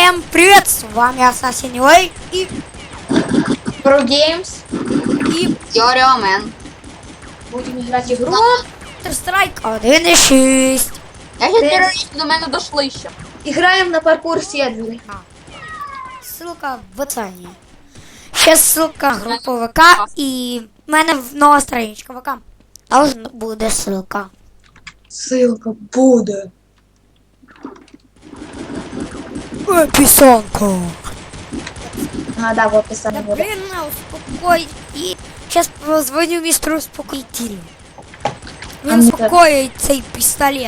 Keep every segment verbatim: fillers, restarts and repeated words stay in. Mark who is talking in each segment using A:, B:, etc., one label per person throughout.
A: Всем привет, с вами Assassin Way и
B: Pro Games
A: и
C: Теоремен.
B: Будем играть игру.
A: Counter-Strike один і шість.
C: Я ще терористи до мене дошли ще.
B: Играем на паркур сервере.
A: Ссылка в описании. Ще ссылка групи ВК і в мене в нова страничка ВК. Там буде ссылка.
B: Ссылка буде.
A: Ой, пісонко.
B: А, да, в описании
A: Да
B: буде.
A: блин, на, успокой. И сейчас позвоню мистеру успокоителю.
B: А
A: Він
B: ну
A: успокоїть цей пістолет.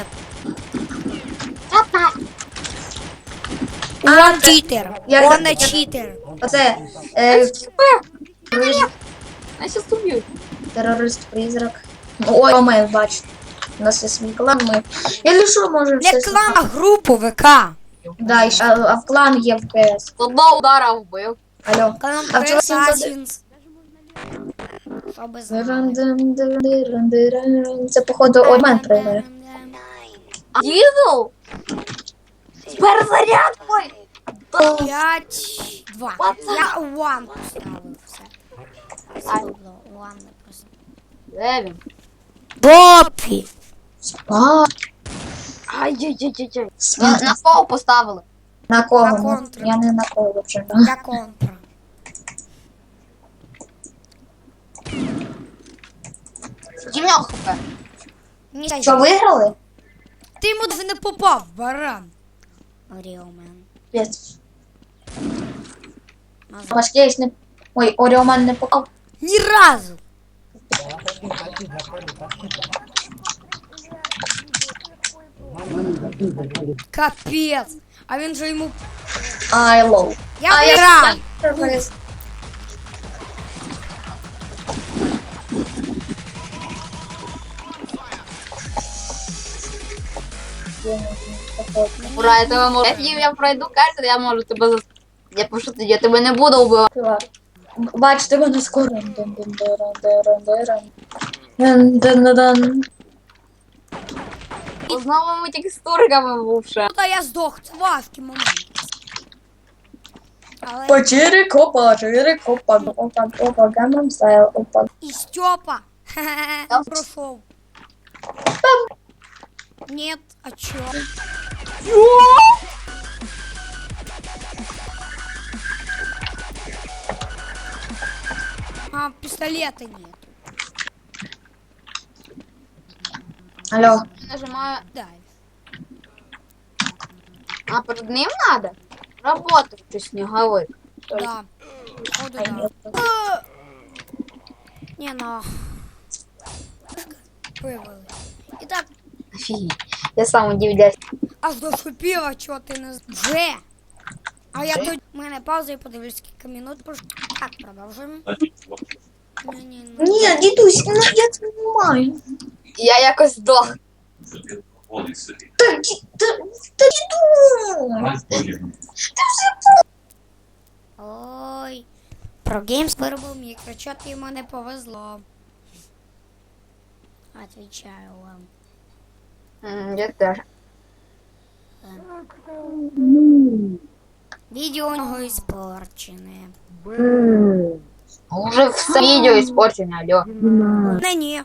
A: Он читер.
B: Я-
A: Он не
B: я-
A: читер.
B: Оце е, приз-
C: Я щас уб'ю.
B: терорист-призрак. Ой, Омен, бачите. У нас є свій клан, ми. Я що можемо
A: Не
B: все.
A: клан, а групу ВК.
B: Да, і ще- а, а в клан є в КС.
C: З одного удара вбив.
B: Алло.
A: Клан
B: А вчора всім зади-
A: Assassins. Щоб знали.
B: Диран-диран-диран-диран. Це, походу, Омен прийде.
C: Дізел? Перезаряд мой!
A: П'ять, два. Я one поставив все. Все було, one не просто.
C: Де він?
A: Бопі.
B: А,
C: Ай-яй-яй-яй. На, на кого поставили?
B: на кого?
A: На
B: Ну,
A: контру.
B: Я не на кого вже.
A: Я контра.
C: Дім'ял хп.
A: Ні,
B: Що, виграли?
A: ти йому дві не попав, баран. Оріомен.
B: Пець. Важкий не... Ой, Оріоман не попав.
A: Ні разу. Капець. А він же йому...
B: Ай, лоу.
A: Я
B: А,
A: виграв.
B: я-
C: Ура, я тебе можу. Якщо я пройду карту, я можу тебе зас... Я пишу тоді, я тебе не буду вбивати.
B: Бачите, мене скоро. Дун-дун-дун-дун-дун.
C: З новими текстурками бувши.
A: Та я здох, це важкий момент. Але
B: Почири копа, чири копа, опа, опа, гамам стайл, опа.
A: і Степа.
C: Там-
A: Прошов. Нет, а чё? А, пистолета нет.
B: Алло.
C: Нажимаю.
A: Дай.
C: А перед ним надо? Работать ты снеговик.
A: Да. Походу, да.
B: А,
A: А! Не, ну. Вывалы. Итак,
C: Офигеть. Я сам удивляюсь.
A: а зашипіла, чого ти не... Вже! А я тут... У мене пауза і подивлюсь, скільки минут прошло. Так, продовжуємо. Ні-ні-ні.
B: Ні, дідусь, ну я це не маю.
C: Я якось здох.
B: Та, ді- та, та діду.
A: Ой. Про Games виробив мікрочот, йому не повезло. Отвечаю вам.
C: М, Я теж.
A: Відео у нього іспорчене.
C: Уже все видео испорчено, алло.
A: Не, ні.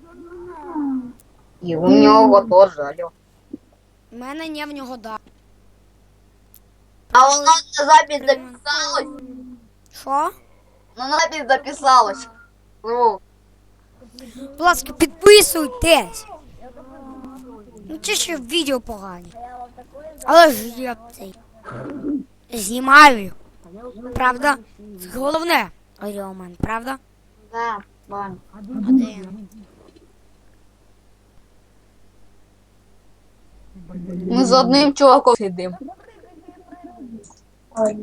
C: И у него тоже, алло.
A: У мене не в нього да.
C: А воно на запись записалось.
A: Що?
C: На запись записалось. Ну,
A: Будь ласка, підписуйтесь. Ну це ще відео погані. Але ж я цей. Знімаю. Правда? Головне. Оріомен, правда?
C: да, ладно.
A: Один.
C: Ми з одним чуваком сидимо.
B: Ой.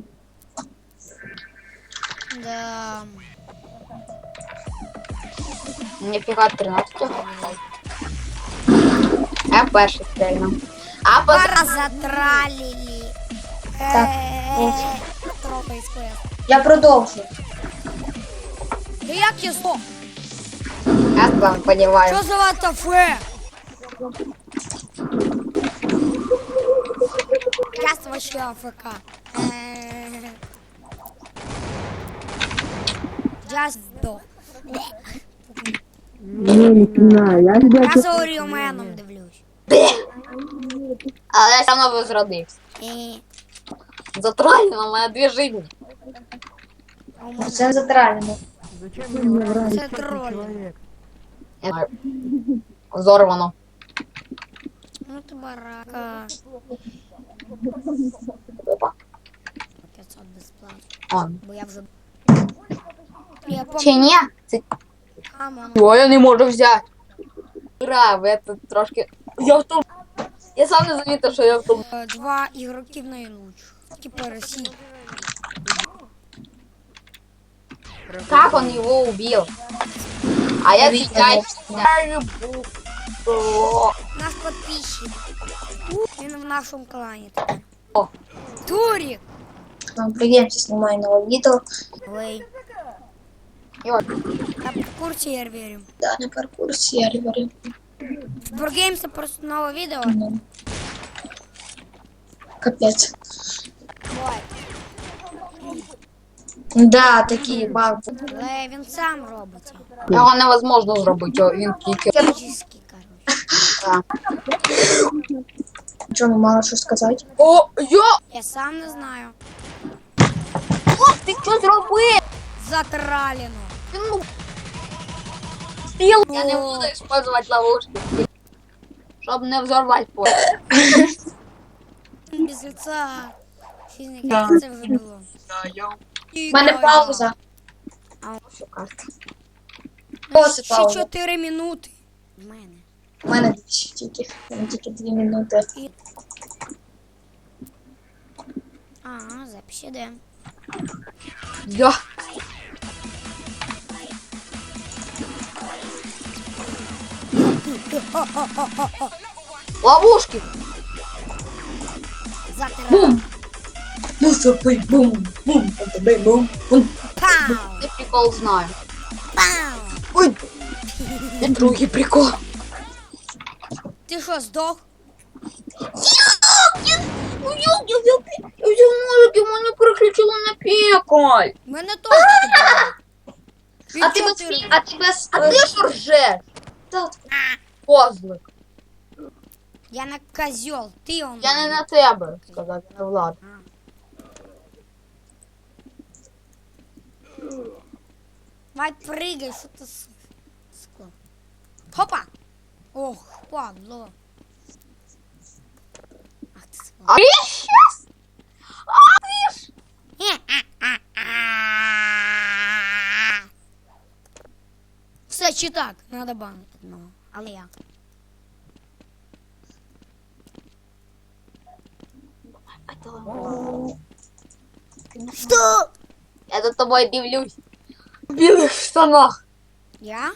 A: Да.
C: Ніфіга тринадцять. Я перший стрельнув. А потім...
A: Пара затралили.
B: Так,
A: Е-е-е. Трохи із квест.
B: Я продовжу.
A: Да як я здох?
C: Я сам подіваю.
A: Що за ватафе? Я вообще АФК. Э, Я сдох.
D: Не знаю, я тебя
A: Я за Оріоменом дивлюсь.
C: Але я все одно возродився.
A: І
C: Затроллено, у мене дві жизни.
A: у мене
B: Це затравлено.
D: Зачем мне врать?
A: це троль.
C: Я знаю. Взорвано.
A: Ну ти барака.
C: Опа.
A: п'ятсот безплатно.
C: О.
A: Бо я вже... Я
C: Чи
A: помню.
C: ні? Це...
A: Камон.
C: Його я не можу взяти. Ура, ви це трошки... Я в тому... Я сам не замітив, що я в тому...
A: Е, Два ігроків найлучших. Типа Росії.
C: Как он его убил? А я
B: видела.
C: сейчас я люблю. О,
A: Наш підписчик. Він в нашому клані тепер.
C: О.
A: Турік!
B: Нам приемся, снимаю новое видео.
A: Ой.
C: Йой.
A: Я в курсі, я вірю.
B: Да, на паркур сервере.
A: В Бургеймс це просто нове відео.
B: Ну. Капец.
A: Ой.
B: Да, такие бабы.
A: Але він сам робить.
C: Його невозможно зробити, о, він тільки...
A: Фізичний, коротше.
B: Что, ну мало что сказать?
C: О, я...
A: Я сам не знаю.
C: О, ти що зробив?
A: Затралено.
C: Ну... Спіл. Я не буду использовать ловушки. Щоб не взорвати поле.
A: Без лица. Фізика,
C: Да.
A: як це вже було.
B: У мене пауза.
C: Що карта?
B: О, це
A: Ще
B: пауза.
A: чотири минути. В мене.
B: У мене дві тільки. У мене тільки дві минути.
A: А, запись іде.
C: Я. Ловушки.
A: Затралено.
B: Ну, запий, бум, бум, бум, бум, бум.
A: Пау!
C: Я прикол знаю.
A: Пау!
C: Ой. І другий прикол.
A: Ти що, здох?
C: Я взяв ножик, і мене переключило на пекаль.
A: У мене теж таке було.
B: А ти
A: Від
B: без
A: чотири-
B: фі- а ти без...
C: А ти що ржеш?
B: Та,
C: Козлик.
A: Я на козьол, ти он.
C: Я не на тебе, сказати, не Влад.
A: Давай прыгай, що ти с- скло. Хопа! Ох, падло. Ах ти сволочь.
C: А я щас? А ти ж?
A: Все, чи так, надо банити одного. Але я. Що?
C: Я за тобою дивлюсь. В білих штанах.
A: Я?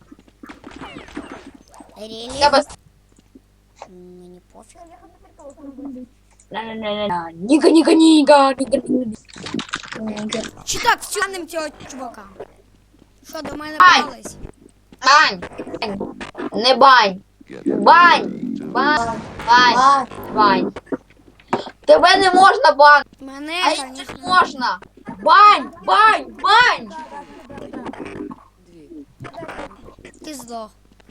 A: Релі?
C: Я без...
A: Мені пофіг.
C: На-на-на-на. Ніга, ніга, ніга, ніга, ніга.
A: Чи так, втягнем цього чувака? Що, до мене
C: Ай!
A: пались?
C: Бань. Бань. Не бань. Бань. Бань. Бань.
B: а,
C: Бань. Тебе не можна бань.
A: Мене,
C: А їх не
A: конечно.
C: можна. Бань. Бань. Бань.
A: Ти здох.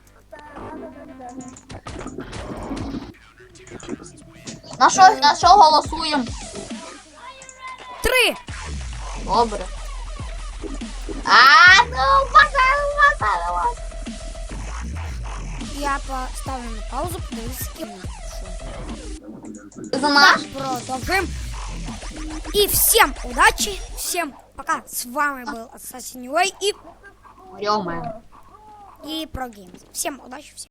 C: На що, на що голосуємо?
A: Три!
C: Добре. А, ну, базар, базар, базар.
A: Я поставлю на паузу, подивлюсь, з ким.
C: Ти за наш?
A: Продолжим. И всем удачи, всем пока. С вами был Assassin Way и,
C: Рёме.
A: и Pro Games. Всем удачи, всем.